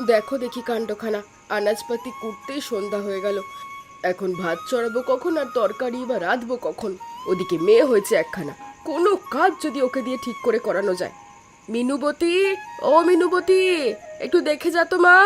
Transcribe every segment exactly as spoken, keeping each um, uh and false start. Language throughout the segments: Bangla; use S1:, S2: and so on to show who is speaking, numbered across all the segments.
S1: দেখো দেখি কাণ্ডখানা, আনাজপাতি কুটতেই সন্ধ্যা হয়ে গেল। এখন ভাত চড়াবো কখন আর তরকারি বা রাঁধবো কখন? ওদিকে মেয়ে হয়েছে একখানা, কোনো কাজ যদি ওকে দিয়ে ঠিক করে করানো যায়। মিনুবতী, ও মিনুবতী, একটু দেখে যা তো মা।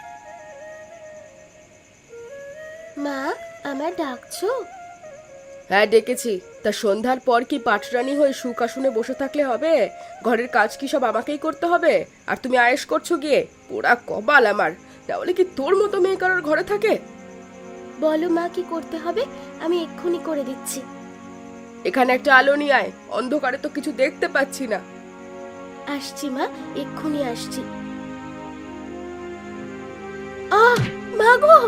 S2: মা, আমার ডাকছো?
S1: হ্যাঁ ডেকেছি। তা সন্ধ্যার পর কি পাটরানি হয়ে সুখাসনে বসে থাকলে হবে? ঘরের কাজ কি সব আমাকেই করতে হবে? আর তুমি আয়েশ করছো গিয়ে? পোড়া কপাল আমার, তাহলে কি তোর মতো মেয়ে কারোর ঘরে থাকে?
S2: বলো মা, কি করতে হবে? আমি এক্ষুনি করে দিচ্ছি।
S1: এখানে একটা আলো নিয়ে আয়, অন্ধকারে তো কিছু দেখতে পাচ্ছি না।
S2: আসছি মা, এক্ষুনি আসছি। আহ মা গো!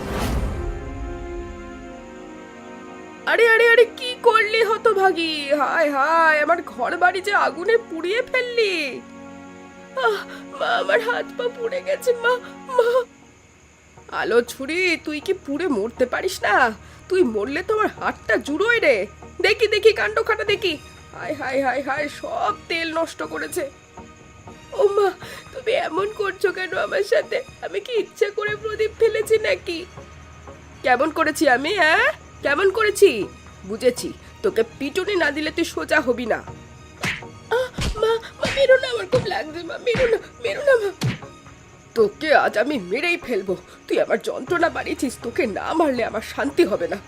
S1: আরে আরে আরে, কি করলি হতভাগী? হায় হায়, আমার ঘর বাড়ি যে আগুনে পুড়িয়ে ফেললি। আহ মা, আমার হাত পা পুড়ে গেছে মা, মা। আলো ছুরি, তুই কি পুড়ে মরতে পারিস না? তুই মরলে তো আমার হাতটা জুড়োয় রে। দেখি দেখি কাণ্ড খাটা দেখি। হায় হায় হায় হায়, সব তেল নষ্ট করেছে। ও মা, তুমি এমন করছো কেন আমার সাথে? আমি কি ইচ্ছা করে প্রদীপ ফেলেছি নাকি? কেমন করেছি আমি? হ্যাঁ, কেমন করেছি? বুঝেছি, তোকে পিটুনি না দিলে তুই সোজা হবি না। আহ, মা, মা মেরো না, আমার খুব লাগছে মা, মেরো না, মেরো না মা। তোকে আজ আমি মেরেই ফেলবো। তুই আমার যন্ত্রণা বাড়িয়েছিস, তোকে না মারলে আমার শান্তি হবে না।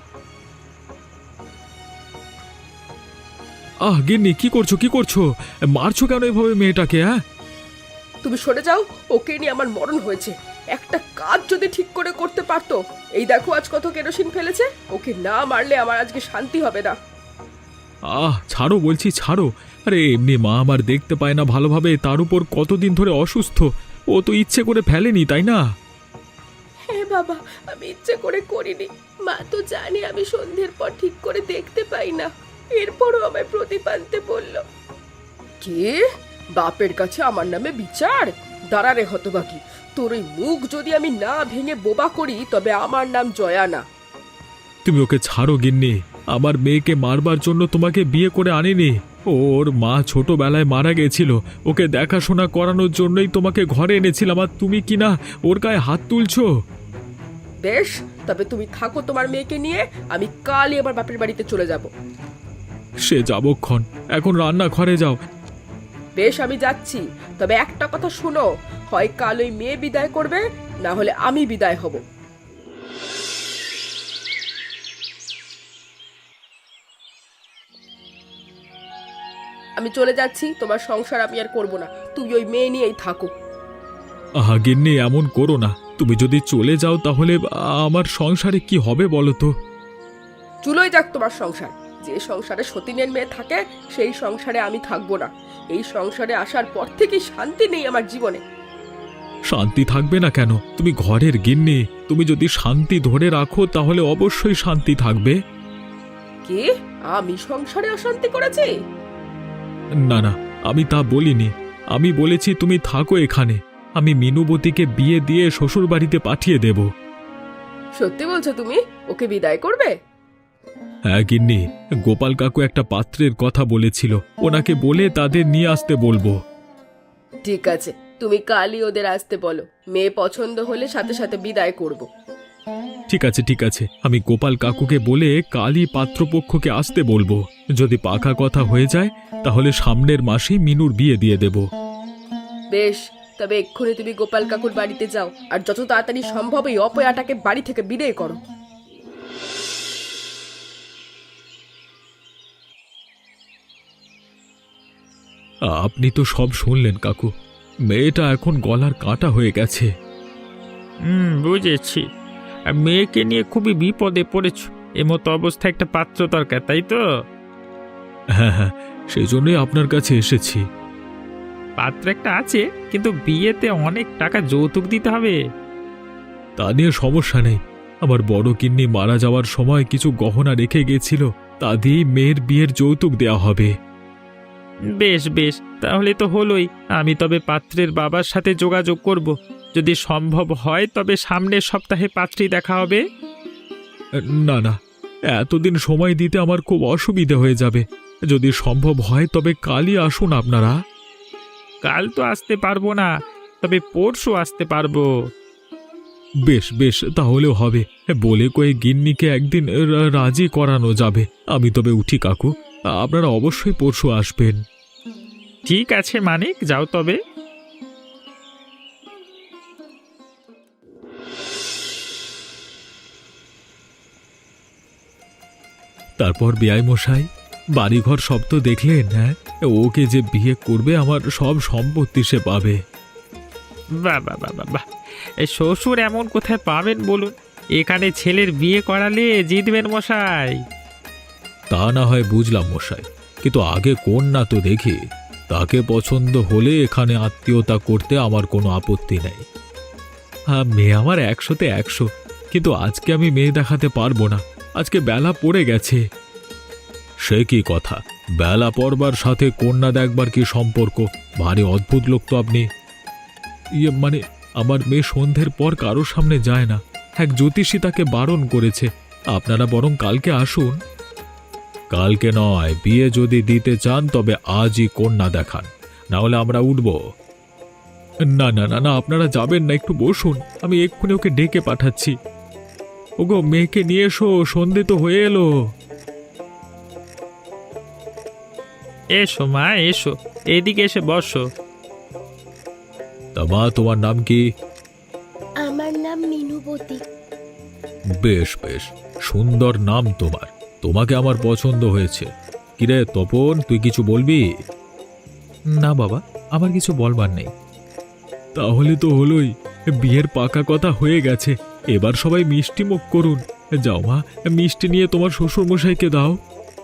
S3: আহ গিন্নি, কি করছো কি করছো? মারছো কেন এভাবে মেয়েটাকে? হ্যাঁ,
S1: তুমি সরে যাও, ওকে নিয়ে আমার মরণ হয়েছে। একটা কাজ যদি ঠিক করে করতে পারতো। এই দেখো আজ কত কেরোসিন ফেলেছে। ওকে না মারলে আমার আজকে শান্তি হবে না।
S3: আহ ছাড়ো বলছি, ছাড়ো। আরে এমনি মা আমার দেখতে পায় না ভালোভাবে, তার উপর কতদিন ধরে অসুস্থ। ও তো ইচ্ছে করে ফেলেনি, তাই না?
S1: হ্যাঁ বাবা, আমি ইচ্ছে করে করিনি। মা তো জানে আমি সন্ধ্যের পর ঠিক করে দেখতে পাই না। এরপরও আমায় প্রদীপ আনতে বলল। কে? বাপের কাছে আমার নামে বিচার? দাঁড়া রে হতবাকি, তোর ওই মুখ যদি আমি না ভেঙে বোবা করি তবে আমার নাম জয়া না।
S3: তুমি ওকে ছাড়ো গিন্নি। আমার মেয়েকে মারবার জন্য তোমাকে বিয়ে করে আনিনি। ওর মা ছোটবেলায় মারা গেছিল, ওকে দেখাশোনা করানোর জন্যই তোমাকে ঘরে এনেছিলাম, আর তুমি কি না ওর গায়ে হাত তুলছো?
S1: বেশ, তবে তুমি থাকো তোমার মেয়েকে নিয়ে। আমি কালই আমার বাপের বাড়িতে চলে যাব।
S3: সে যাবক্ষণ, এখন রান্না ঘরে যাও।
S1: বেশ, আমি যাচ্ছি। তবে একটা কথা শোনো, হয় কাল ওই মেয়ে বিদায় করবে, না হলে আমি বিদায় হব। আমি চলে যাচ্ছি, তোমার সংসার আমি আর করব না। তুই ওই মেয়ে নিয়েই থাকো।
S3: আহা গিন্নি, এমন করো না। তুমি যদি চলে যাও তাহলে আমার সংসারে কি হবে বলো তো?
S1: চুলোই যাক তোমার সংসার। যে সংসারে সতীনের মেয়ে থাকে সেই সংসারে আমি থাকবো না। এই সংসারে আসার পর থেকে শান্তি নেই আমার জীবনে।
S3: শান্তি থাকবে না কেন? তুমি ঘরের গিন্নি, তুমি যদি শান্তি ধরে রাখো তাহলে অবশ্যই শান্তি থাকবে।
S1: কে? আমি সংসারে অশান্তি করেছি?
S3: না না, আমি তা বলিনি। আমি বলেছি তুমি থাকো এখানে। আমি মিনুবতীকে বিয়ে দিয়ে শ্বশুর বাড়িতে পাঠিয়ে দেব।
S1: সত্যি বলছো তুমি? ওকে বিদায় করবে?
S3: হ্যাঁ গিন্নি, গোপাল কাকু একটা পাত্রের কথা বলেছিল, ওনাকে বলে তাদের নিয়ে আসতে বলবো।
S1: ঠিক আছে, তুমি কালই ওদের আসতে বলো। মেয়ে পছন্দ হলে সাথে সাথে বিদায় করব।
S3: ঠিক আছে ঠিক আছে, আমি গোপাল কাকুকে বলে কালই পাত্রপক্ষকে আসতে বলবো। যদি পাকা কথা হয়ে যায় তাহলে সামনের মাসেই মিনুর বিয়ে দিয়ে দেব।
S1: বেশ, তবে এক্ষুনি তুমি গোপাল কাকুর বাড়িতে যাও, আর যত তাড়াতাড়ি সম্ভব এই অপয়াটাকে বাড়ি থেকে বিদায় করো।
S3: আপনি তো সব শুনলেন কাকু। মেয়েটা এখন গলার কাঁটা হয়ে গেছে।
S4: হুম, বুঝেছি। আর মেয়েকে নিয়ে খুবই বিপদে পড়েছ। এমতো অবস্থায় একটা পাত্র দরকার, তাই তো?
S3: হ্যাঁ হ্যাঁ, সেজন্যই আপনার কাছে এসেছি।
S4: পাত্র একটা আছে, কিন্তু বিয়েতে অনেক টাকা যৌতুক দিতে হবে।
S3: তা নিয়ে সমস্যা নেই। আমার বড় কিন্নি মারা যাওয়ার সময় কিছু গহনা রেখে গেছিল, তা দিয়েই মেয়ের বিয়ের যৌতুক দেওয়া হবে।
S4: বেশ বেশ, তাহলে তো হলোই। আমি তবে পাত্রের বাবার সাথে যোগাযোগ করব। যদি সম্ভব হয় তবে সামনের সপ্তাহে পাত্রী দেখা হবে।
S3: না না, এতদিন সময় দিতে আমার খুব অসুবিধে হয়ে যাবে। যদি সম্ভব হয় তবে কালই আসুন আপনারা।
S4: কাল তো আসতে পারবো না, তবে পরশু আসতে পারবো।
S3: বেশ বেশ, তাহলেও হবে। বলে কয়ে গিন্নিকে একদিন রা- রাজি করানো যাবে। আমি তবে উঠি কাকু, আপনারা অবশ্যই পরশু আসবেন।
S4: ঠিক আছে মানিক, যাও তবে।
S3: তারপর বেয়াই মশাই, বাড়িঘর সব তো দেখলেন। হ্যাঁ, ওকে যে বিয়ে করবে আমার সব সম্পত্তি সে পাবে।
S4: বাহ বাহ বাহ বাহ বাহ, এই শ্বশুর এমন কোথায় পাবেন বলুন? এখানে ছেলের বিয়ে করালে জিতবেন মশাই।
S3: তা না হয় বুঝলাম মশাই, কিন্তু আগে কন্যা তো দেখি। তাকে পছন্দ হলে এখানে আত্মীয়তা করতে আমার কোনো আপত্তি নেই। হ্যাঁ, মেয়ে আমার একশোতে একশো, কিন্তু আজকে আমি মেয়ে দেখাতে পারবো না। আজকে বেলা পড়ে গেছে। সে কি কথা? বেলা পড়বার সাথে কন্যা দেখবার কি সম্পর্ক? ভারী অদ্ভুত লোক তো আপনি। ইয়ে মানে, আমার মেয়ে সন্ধ্যের পর কারোর সামনে যায় না। এক জ্যোতিষী তাকে বারণ করেছে। আপনারা বরং কালকে আসুন। কালকে নয়, বিয়ে যদি দিতে চান তবে আজই কন্যা দেখান, না হলে আমরা উঠব। না না না না, আপনারা যাবেন না, একটু বসুন, আমি এক্ষুনি ওকে ডেকে পাঠাচ্ছি। ওগো, মেয়েকে নিয়ে এসো, সন্ধে তো হয়ে এলো।
S4: এসো মা, এসো, এদিকে এসে বসো।
S3: তা মা, তোমার নাম কি?
S2: আমার নাম মিনুবতী।
S3: বেশ বেশ, সুন্দর নাম তোমার। তোমাকে আমার পছন্দ হয়েছে। কিরে তপন, তুই কিছু বলবি? না বাবা, আমার কিছু বলবার নেই। তাহলে তো হলোই, বিয়ের পাকা কথা হয়ে গেছে। এবার সবাই মিষ্টি মুখ করুন। যাও মা, মিষ্টি নিয়ে তোমার শ্বশুর মশাইকে দাও।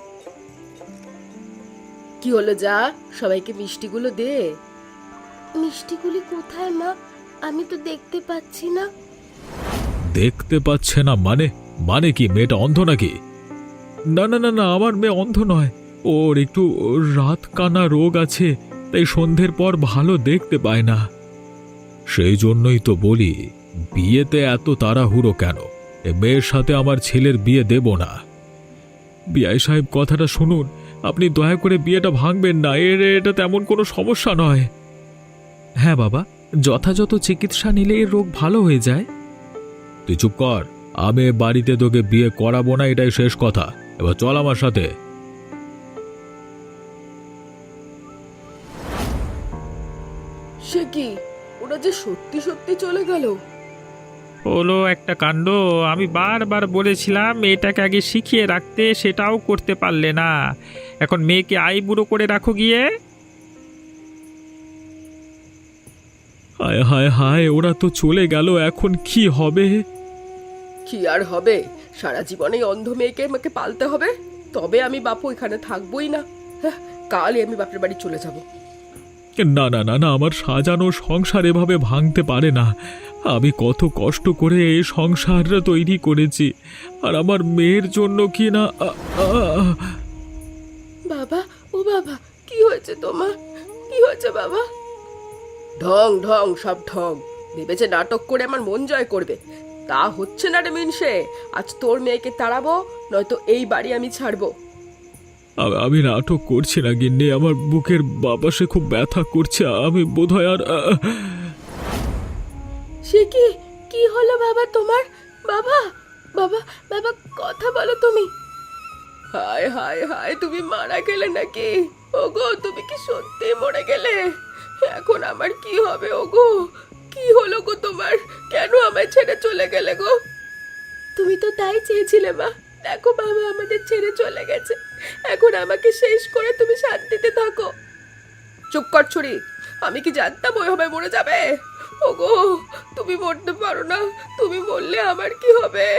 S1: কি হলো, যা সবাইকে মিষ্টিগুলো দে।
S2: মিষ্টিগুলি কোথায় মা? আমি তো দেখতে পাচ্ছি না।
S3: দেখতে পাচ্ছে না মানে? মানে কি, মেয়েটা অন্ধ নাকি? না না না না, আমার মেয়ে অন্ধ নয়। ওর একটু রাত কানা রোগ আছে, তাই সন্ধ্যের পর ভালো দেখতে পায় না। সেই জন্যই তো বলি, বিয়েতে এত তাড়াহুড়ো কেন? এ মেয়ের সাথে আমার ছেলের বিয়ে দেব না। বিআই সাহেব, কথাটা শুনুন। আপনি দয়া করে বিয়েটা ভাঙবেন না। এর এটা তেমন কোনো সমস্যা নয়। হ্যাঁ বাবা, যথাযথ চিকিৎসা নিলে এর রোগ ভালো হয়ে যায়। তুই চুপ কর। আমি এ বাড়িতে তোকে বিয়ে করাবো না, এটাই শেষ কথা। এবার চল আমার সাথে।
S1: সে কি, ওরা যে সত্যি সত্যি চলে গেল।
S4: হলো একটা কাণ্ড। আমি বারবার বলেছিলাম মেয়েটাকে আগে শিখিয়ে রাখতে, সেটাও করতে পারলে না। এখন মেয়েকে আইবুড়ো করে রাখো গিয়ে।
S3: হায় হায় হায়, ওরা তো চলে গেল, এখন কি হবে?
S1: কি আর হবে, সারা জীবনে অন্ধ মেয়েকে আমাকে পালতে হবে। তবে আমি বাপু এখানে থাকবোই না। হ্যাঁ, কালই আমি বাপের বাড়ি চলে যাব।
S3: না না না না, আমার সাজানো সংসার এভাবে ভাঙতে পারে না। আমি কত কষ্ট করে এই সংসারটা তৈরি করেছি, আর আমার মেয়ের জন্য কি না। আ, আ, আ।
S1: বাবা, ও বাবা, কি হয়েছে তোমার? কি হয়েছে বাবা? ঢং ঢং, সব ঢং। ভেবেছে নাটক করে আমার মন জয় করবে। তা হচ্ছে না রে মিনসে। আজ তোর মেয়েকে তাড়াবো, নয়তো এই বাড়ি আমি ছাড়বো।
S3: আ- আমি নাটক করছি না গিন্নি, আমার বুকের বাপাসে খুব ব্যথা করছে। আমি বোধহয় আর আ,
S1: সে কি, কি হলো বাবা তোমার? বাবা, বাবা, বাবা, কথা বলো তুমি। হায় হায় হায়, তুমি মারা গেলে নাকি? ওগো, তুমি কি সত্যি মরে গেলে? এখন আমার কি হবে ওগো? কি হলো গো তোমার? কেন আমায় ছেড়ে চলে গেলে গো? তুমি তো তাই চেয়েছিলে মা। দেখো বাবা আমাদের ছেড়ে চলে গেছে। এখন আমাকে শেষ করে তুমি শান্তিতে থাকো। চুপ কর ছুরি। আমি কি জানতাম ওইভাবে মরে যাবে? ওগো, তুমি মরতে পারো না। তুমি বললে আমার কি হবে?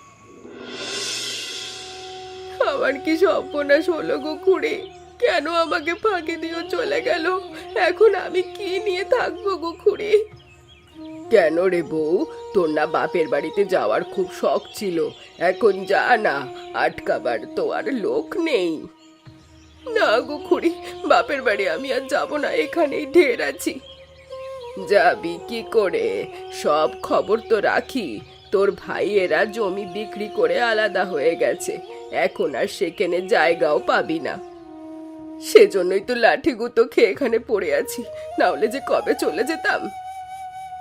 S1: আমার কি সর্বনাশ হলো গো খুড়ি? কেন আমাকে ফাঁকি দিয়েও চলে গেল? এখন আমি কি নিয়ে থাকবো গো খুড়ি? কেন রে বউ, তোর না বাপের বাড়িতে যাওয়ার খুব শখ ছিল? এখন যা না, আটকাবার তো আর লোক নেই। না গো খুড়ি, বাপের বাড়ি আমি আর যাব না, এখানেই ঢের আছি। যাবি কি করে? সব খবর তো রাখি। তোর ভাইয়েরা জমি বিক্রি করে আলাদা হয়ে গেছে। এখন আর সেখানে জায়গাও পাবি না। সেজন্যই তো লাঠি গুঁতো খেয়ে এখানে পড়ে আছি, না হলে যে কবে চলে যেতাম।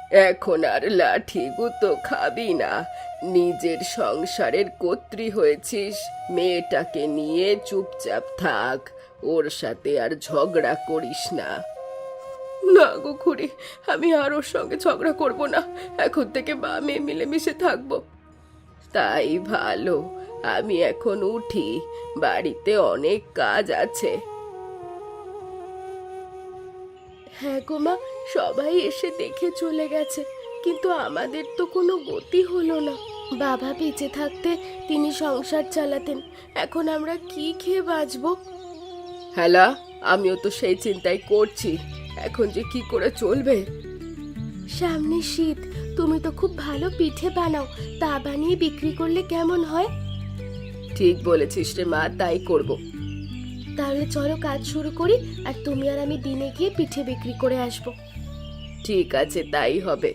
S1: এখন আর লাঠি গুতো খাবি না, নিজের সংসারের কর্ত্রী হয়েছিস, মেয়েটাকে নিয়ে চুপচাপ থাক, ওর সাথে আর ঝগড়া করিস না। না গো খুড়ি, আমি আর ওর সঙ্গে ঝগড়া করব না, এখন থেকে মা মেয়ে মিলেমিশে থাকবো। তাই ভালো, আমি এখন উঠি, বাড়িতে অনেক কাজ আছে।
S2: হ্যাঁ গো মা, সবাই এসে দেখে চলে গেছে, কিন্তু আমাদের তো কোনো গতি হলো না। বাবা বেঁচে থাকতে তিনি সংসার চালাতেন, এখন আমরা কি খেয়ে বাঁচবো?
S1: হ্যালা, আমিও তো সেই চিন্তাই করছি, এখন যে কি করে চলবে।
S2: সামনে শীত, তুমি তো খুব ভালো পিঠে বানাও, তা বানিয়ে বিক্রি করলে কেমন হয়?
S1: ঠিক বলেছিস রে মা, তাই করব।
S2: তাহলে চলো কাজ শুরু করি, আর তুমি আর আমি দিনে গিয়ে পিঠে বিক্রি করে আসবো।
S1: ঠিক আছে, তাই হবে।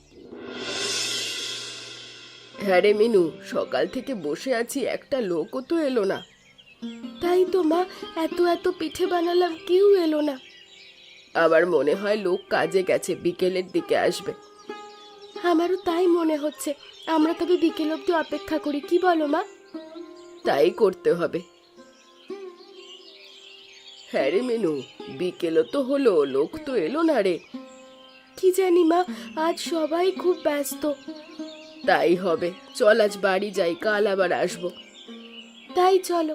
S1: হ্যাঁ রে মিনু, সকাল থেকে বসে আছি, একটা লোকও তো এলো না।
S2: তাই তো মা, এত এত পিঠে বানালাম, কেউ এলো না।
S1: আবার মনে হয় লোক কাজে গেছে, বিকেলের দিকে আসবে।
S2: আমারও তাই মনে হচ্ছে, আমরা তবে বিকেল অবধি অপেক্ষা করি, কি বলো মা?
S1: তাই করতে হবে। হ্যাঁ রে মিনু, বিকেলও তো হলো, লোক তো এলো না রে।
S2: কি জানি মা, আজ সবাই খুব ব্যস্ত।
S1: তাই হবে, চল আজ বাড়ি যাই, কাল আবার আসবো।
S2: তাই চলো।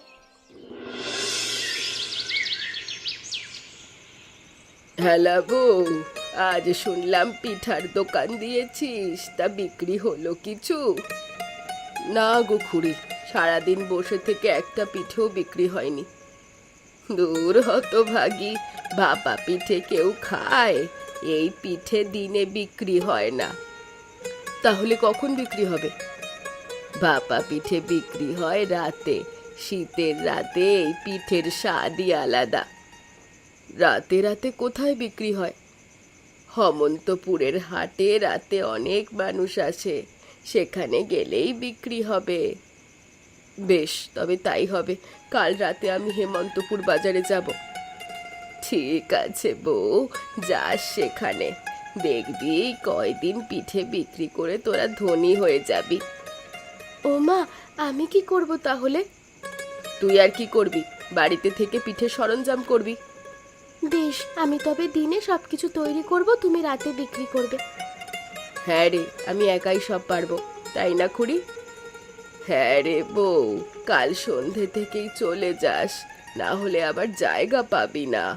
S1: হ্যালো বউ, আজ শুনলাম পিঠার দোকান দিয়েছিস, তা বিক্রি হলো কিছু? না গো খুড়ি, সারাদিন বসে থেকে একটা পিঠেও বিক্রি হয়নি। দূর হতভাগী, ভাপা পিঠে কেউ খায়? এই পিঠে দিনে বিক্রি হয় না। তাহলে কখন বিক্রি হবে? ভাপা পিঠে বিক্রি হয় রাতে, শীতের রাতে এই পিঠের স্বাদই আলাদা। রাতে রাতে কোথায় বিক্রি হয়? হেমন্তপুরের হাটে রাতে অনেক মানুষ আসে, সেখানে গেলেই বিক্রি হবে। বেশ, তবে তাই হবে, কাল রাতে আমি হেমন্তপুর বাজারে যাব। ঠিক আছে বউ, যাস সেখানে, দেখবি কয়দিন পিঠে বিক্রি করে তোরা ধনী হয়ে যাবি।
S2: ও মা, আমি কি করব তাহলে?
S1: তুই আর কি করবি, বাড়িতে থেকে পিঠে সরঞ্জাম করবি।
S2: বেশ, আমি তবে দিনে সবকিছু তৈরি করব, তুমি রাতে বিক্রি করবে।
S1: হ্যাঁ রে, আমি একাই সব পারবো, তাই না খুড়ি? হ্যাঁ রে বউ, কাল সন্ধে থেকেই চলে যাস, না হলে আবার জায়গা পাবি না।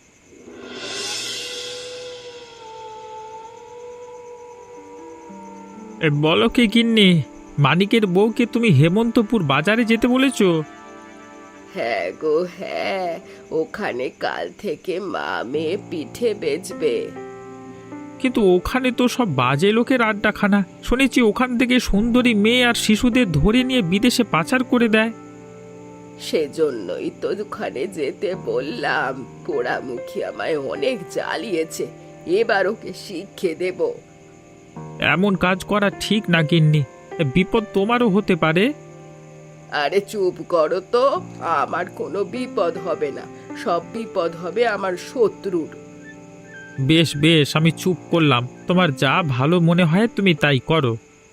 S4: এ, বলো কি গিন্নি, মানিকের বউকে তুমি হেমন্তপুর বাজারে যেতে বলেছো?
S1: হ্যাঁ গো হ্যাঁ, ওখানে কাল থেকে মা মেয়ে পিঠে বেচবে।
S4: কিন্তু ওখানে তো সব বাজে লোকের আড্ডাখানা, শুনেছি ওখান থেকে সুন্দরী মেয়ে আর শিশুদের ধরে নিয়ে বিদেশে পাচার করে দেয়।
S1: সেজন্যই তো ওখানে যেতে বললাম, পোড়ামুখী আমায় অনেক জ্বালিয়েছে, এবার ওকে শিক্ষে দেব।
S4: এমন কাজ করা ঠিক না গিন্নি, এ, বিপদ তোমারও হতে পারে।
S1: আরে চুপ করো তো, আমার কোনো বিপদ হবে না, সব বিপদ হবে আমার শত্রুর।
S4: বেশ বেশ, আমি চুপ করলাম, তোমার যা ভালো মনে হয় তুমি তাই করো।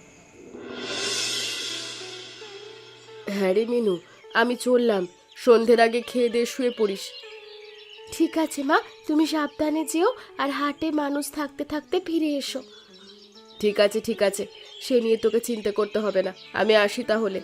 S1: হ্যাঁ রে মিনু, আমি চললাম, সন্ধ্যের আগে খেয়ে দিয়ে শুয়ে পড়িস।
S2: ঠিক আছে মা, তুমি সাবধানে যেও, আর হাটে মানুষ থাকতে থাকতে ফিরে এসো।
S1: ঠিক আছে ঠিক আছে, সে নিয়ে তোকে চিন্তা করতে হবে না, আমি আসি তাহলে।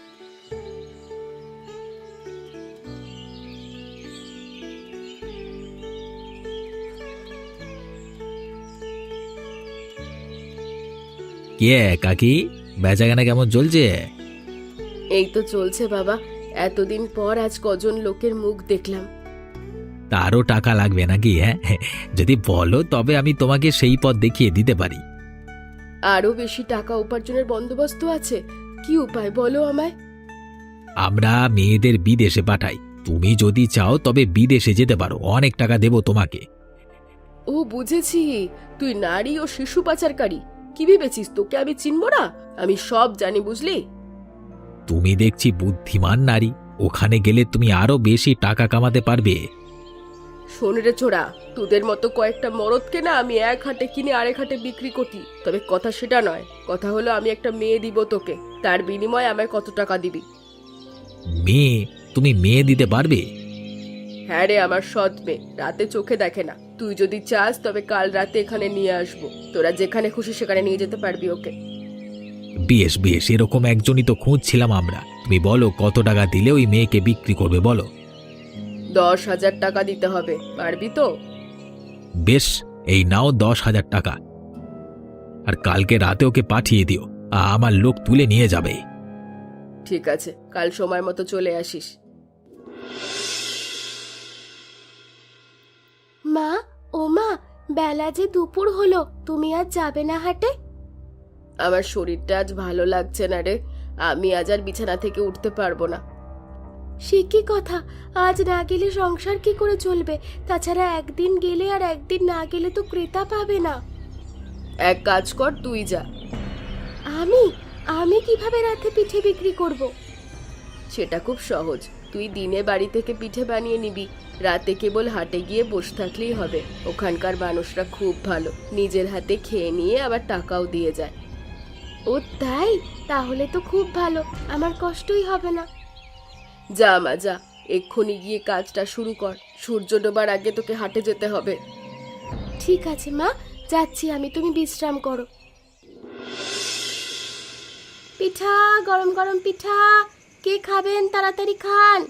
S5: কে কাকি, বেচাকেনা কেমন চলছে?
S1: এই তো চলছে বাবা, এতদিন পর আজ কজন লোকের মুখ দেখলাম।
S5: তারও টাকা লাগবে নাকি? হ্যাঁ, যদি বলো তবে আমি তোমাকে সেই পথ দেখিয়ে দিতে পারি।
S1: আরো বেশি টাকা উপার্জনের বন্দোবস্ত আছে, কি উপায় বলো আমায়।
S5: আমরা মেয়েদের বিদেশে পাঠাই, তুমি যদি চাও তবে বিদেশে যেতে পারো, অনেক টাকা দেবো তোমাকে।
S1: ও বুঝেছি, তুই নারী ও শিশু পাচারকারী। কি ভেবেছিস তোকে আমি চিনব না? আমি সব জানি, বুঝলি।
S5: তুমি দেখছি বুদ্ধিমান নারী, ওখানে গেলে তুমি আরো বেশি টাকা কামাতে পারবে।
S1: শোন রে ছোড়া, তোদের মতো কয়েকটা মরদকে না আমি এক হাটে কিনে আরেক হাটে বিক্রি করি, তবে কথা সেটা নয়। কথা হলো আমি একটা মেয়ে দিব তোকে, তার বিনিময়ে আমায় কত টাকা দিবি?
S5: মেয়ে? তুমি মেয়ে দিতে পারবে?
S1: হ্যাঁ রে, আমার সৎ মেয়ে, রাতে চোখে দেখে না। তুই যদি চাস তবে কাল রাতে এখানে নিয়ে আসবো, তোরা যেখানে খুশি সেখানে নিয়ে যেতে পারবি ওকে।
S5: বেশ বেশ, এরকম একজনই তো খুঁজছিলাম আমরা। তুমি বলো কত টাকা দিলে ওই মেয়েকে বিক্রি করবে বলো।
S1: দশ হাজার টাকা দিতে হবে, পারবি তো?
S5: বেশ, এই নাও দশ হাজার টাকা। আর কালকে রাতে ওকে পাঠিয়ে দিও, আমার লোক তুলে নিয়ে যাবে।
S1: ঠিক আছে, কাল সময় মতো চলে আসিস।
S2: মা, ও মা, বেলা যে দুপুর হলো, তুমি আজ যাবে না হাটে?
S1: আমার শরীরটা আজ ভালো লাগছে না রে, আমি আজ আর বিছানা থেকে উঠতে পারবো না।
S2: সে কি কথা, আজ না গেলে সংসার কি করে চলবে? তাছাড়া একদিন গেলে আর একদিন না গেলে তো ক্রেতা পাবে না।
S1: এক কাজ কর, তুই যা।
S2: আমি আমি কিভাবে রাতে পিঠে বিক্রি করব?
S1: সেটা খুব সহজ, তুই দিনে বাড়ি থেকে পিঠে বানিয়ে নিবি, রাতে কেবল হাটে গিয়ে বসে থাকলেই হবে। ওখানকার মানুষরা খুব ভালো, নিজের হাতে খেয়ে নিয়ে আবার টাকাও দিয়ে যায়।
S2: ও তাই? তাহলে তো খুব ভালো, আমার কষ্টই হবে না।
S1: যা মা যা, এক্ষুনি গিয়ে কাজটা শুরু কর, সূর্য ডোবার আগে তোকে হাটে যেতে হবে।
S2: ঠিক আছে মা, যাচ্ছি আমি, তুমি বিশ্রাম করো। পিঠা, গরম গরম পিঠা, কে খাবেন তাড়াতাড়ি খান।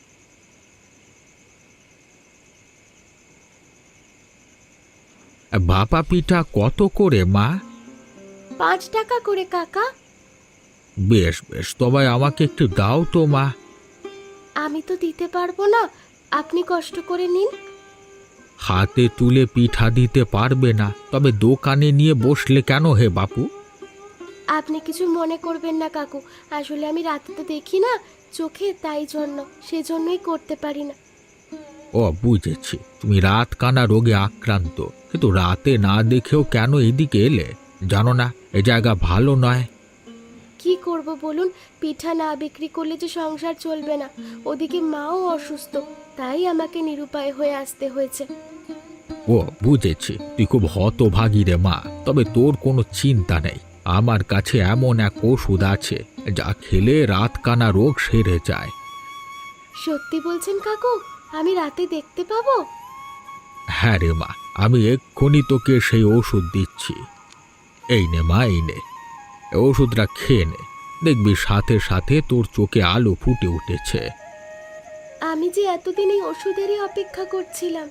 S5: ভাপা পিঠা কত করে মা?
S2: পাঁচ টাকা করে কাকা।
S5: বেশ বেশ, তবে আমাকে একটু দাও তো মা।
S2: আমি তো দিতে পারবো না, আপনি কষ্ট করে নিন।
S5: হাতে তুলে পিঠা দিতে পারবে না, তবে দোকানে নিয়ে বসলে কেন হে বাপু?
S2: আপনি কিছু মনে করবেন না কাকু, আসলে আমি রাতে তো দেখি না চোখে, তাই জন্য, সেজন্যই করতে পারি না।
S5: ও বুঝেছি, তুমি রাত কানা রোগে আক্রান্ত, কিন্তু রাতে না দেখেও কেন এদিকে এলে? জানো না এ জায়গা ভালো নয়?
S2: কি করব বলুন, পিঠা না বিক্রি করলে যে সংসার চলবে না, ওদিকে মাও অসুস্থ, তাই আমাকে নিরুপায় হয়ে আসতে হয়েছে।
S5: ও বুঝেছি, তুই খুব হতভাগী রে মা, তবে তোর কোনো চিন্তা নেই, আমার কাছে এমন এক ওষুধ আছে যা খেলে রাত কানা রোগ সেরে যায়।
S2: সত্যি বলছেন কাকু? আমি রাতে দেখতে পাবো?
S5: হ্যাঁ রে মা, আমি এক্ষুনি তোকে সেই ওষুধ দিচ্ছি। এই নে মা, এই নে, এই ওষুধটা খেয়ে নে, দেখবি সাথে সাথে তোর চোখে আলো ফুটে উঠেছে।
S2: আমি যে এতদিন এই ওষুধেরই অপেক্ষা করছিলাম।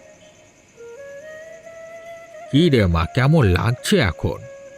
S5: কি রে মা, কেমন লাগছে এখন?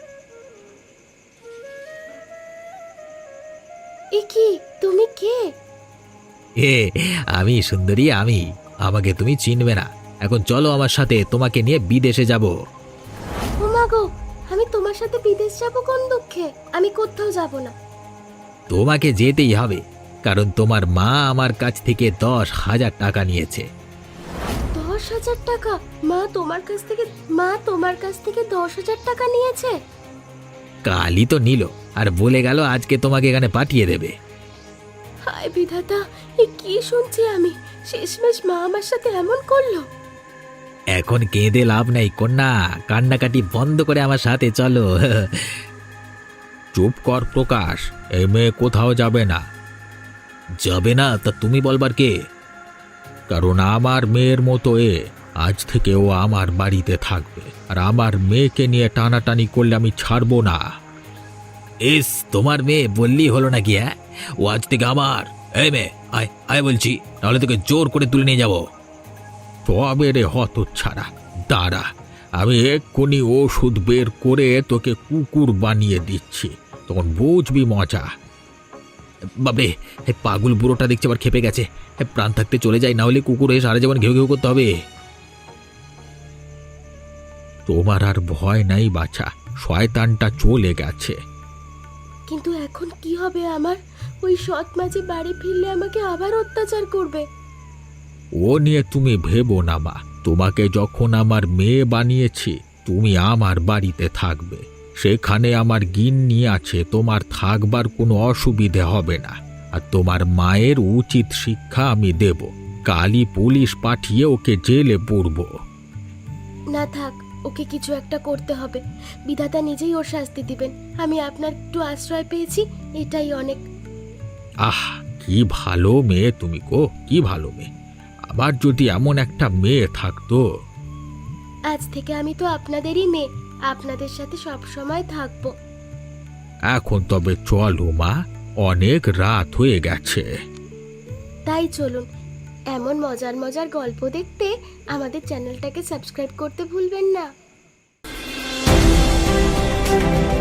S2: এ কি, তুমি কে?
S5: এ আমি সুন্দরী, আমি। আমাকে তুমি চিনবে না, এখন চলো আমার সাথে, তোমাকে নিয়ে বিদেশে যাব।
S2: ও মা গো, আমি তোমার সাথে বিদেশ যাব কোন দুঃখে? আমি কোথাও যাব না।
S5: তোমাকে যেতেই হবে, কারণ তোমার মা আমার কাছ থেকে দশ হাজার টাকা নিয়েছে।
S2: দশ হাজার টাকা? মা তোমার কাছ থেকে মা তোমার কাছ থেকে দশ হাজার টাকা নিয়েছে?
S5: কালই তো নিল, আর বলে গেল আজকে তোমাকে এখানে পাঠিয়ে দেবে।
S2: হায় বিধাতা, এ কি শুনছি আমি? শেষমেশ মা আমার সাথে এমন করলো।
S5: এখন কেঁদে লাভ নাই কন্যা, কান্নাকাটি বন্ধ করে আমার সাথে চলো। চুপ কর প্রকাশ, এই মেয়ে কোথাও যাবে না। যাবে না তা তুমি বলবার কে? কারণ আমার মেয়ের মতো এ, আজ থেকে ও আমার বাড়িতে থাকবে, আর আমার মেয়েকে নিয়ে টানাটানি করলে আমি ছাড়বো না। এস, তোমার মেয়ে বললি হলো নাকি? হ্যাঁ, ও আজ থেকে আমার। এই মেয়ে, আয় আয় বলছি, নাহলে তোকে জোর করে তুলে নিয়ে যাবো। তবে রে হতচ্ছাড়া, দাঁড়া, আমি এক্ষুনি ওষুধ বের করে তোকে কুকুর বানিয়ে দিচ্ছি, তখন বুঝবি মজা। বাবরে, পাগল বুড়োটা দেখছি আবার খেপে গেছে। প্রাণ থাকতে চলে যাই, না হলে কুকুর হয়ে সারা জীবন ঘেউ ঘেউ করতে হবে। তোমার আর ভয় নাই বাছা, শয়তানটা চলে গেছে।
S2: কিন্তু এখন কি হবে আমার? ওই সৎ মাঝে বাড়ি ফিরলে আমাকে আবার অত্যাচার করবে।
S5: ও নিয়ে তুমি ভেবো না মা, তোমাকে যখন আমার মেয়ে বানিয়েছি তুমি আমার বাড়িতে থাকবে, সেখানে আমার গিন্নি আছে, তোমার থাকবার কোনো অসুবিধে হবে না, আর তোমার মায়ের উচিত শিক্ষা আমি দেব। কালই পুলিশ পাঠিয়ে ওকে জেলে পুরব।
S2: না থাক, ওকে কিছু একটা করতে হবে। বিধাতা নিজেই ওর শাস্তি দিবেন। আমি আপনার একটু আশ্রয় পেয়েছি, এটাই অনেক।
S5: আহ, কি ভালো মেয়ে তুমি গো, কি ভালো মেয়ে। আবার যদি এমন একটা মেয়ে থাকতো।
S2: আজ থেকে আমি তো আপনাদেরই মেয়ে, আপনাদের সাথে সব সময় থাকবো।
S5: এখন তবে চলো মা, অনেক রাত হয়ে গেছে।
S2: তাই চলুন, এমন মজার মজার গল্প দেখতে আমাদের চ্যানেলটাকে সাবস্ক্রাইব করতে ভুলবেন না।